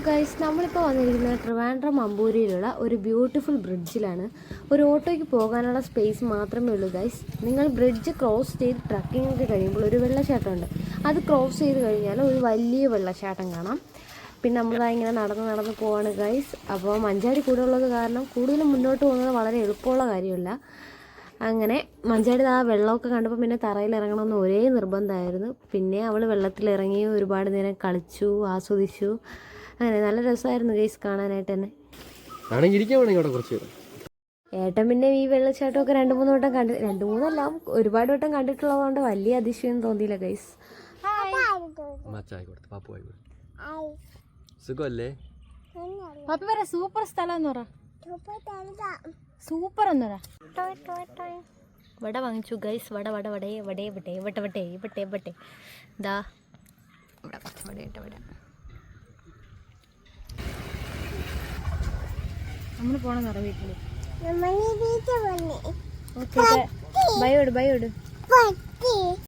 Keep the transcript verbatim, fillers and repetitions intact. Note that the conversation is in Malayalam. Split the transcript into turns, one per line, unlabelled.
ഗൈസ്, നമ്മളിപ്പോൾ വന്നിരിക്കുന്നത് ട്രിവാൻഡ്രം അമ്പൂരിയിലുള്ള ഒരു ബ്യൂട്ടിഫുൾ ബ്രിഡ്ജിലാണ്. ഒരു ഓട്ടോയ്ക്ക് പോകാനുള്ള സ്പേസ് മാത്രമേ ഉള്ളൂ ഗൈസ്. നിങ്ങൾ ബ്രിഡ്ജ് ക്രോസ് ചെയ്ത് ട്രക്കിംഗ് ഒക്കെ കഴിയുമ്പോൾ ഒരു വെള്ളച്ചാട്ടമുണ്ട്. അത് ക്രോസ് ചെയ്ത് കഴിഞ്ഞാൽ ഒരു വലിയ വെള്ളച്ചാട്ടം കാണാം. പിന്നെ നമ്മളിതാ ഇങ്ങനെ നടന്ന് നടന്ന് പോവാണ് ഗൈസ്. അപ്പോൾ മഞ്ചാടി കൂടെ ഉള്ളത് കാരണം കൂടുതലും മുന്നോട്ട് പോകുന്നത് വളരെ എളുപ്പമുള്ള കാര്യമല്ല. അങ്ങനെ മഞ്ചാടി ആ വെള്ളമൊക്കെ കണ്ടപ്പോൾ പിന്നെ തറയിൽ ഇറങ്ങണമെന്ന് ഒരേ നിർബന്ധമായിരുന്നു. പിന്നെ അവൾ വെള്ളത്തിലിറങ്ങി ഒരുപാട് നേരം കളിച്ചു, ആസ്വദിച്ചു. അങ്ങനെ നല്ല രസമായിരുന്നു ഗൈസ് കാണാനായിട്ട് തന്നെ. ഏട്ടൻ പിന്നെ ഈ വെള്ളച്ചാട്ടമൊക്കെ രണ്ട് മൂന്ന് വട്ടം കണ്ട് രണ്ട് മൂന്നല്ല ഒരുപാട് വട്ടം കണ്ടിട്ടുള്ളതുകൊണ്ട് വലിയ അതിശയം തോന്നിയില്ല ഗൈസ്. സൂപ്പർ സ്ഥലം എന്ന് പറ, സൂപ്പർ എന്ന് പറ. വട വാങ്ങിച്ചു ഗൈസ്. വട വട വടേ വടേ വടേ വട്ട വട്ടേ വട്ടേ വട്ടേ ദാ ഇവിടെ വട ഇട്ട വട. നമ്മൾ പോണെന്ന് പറ വീട്ടില്. ഓക്കെ ബൈ ഓട് ബൈ ഓട്.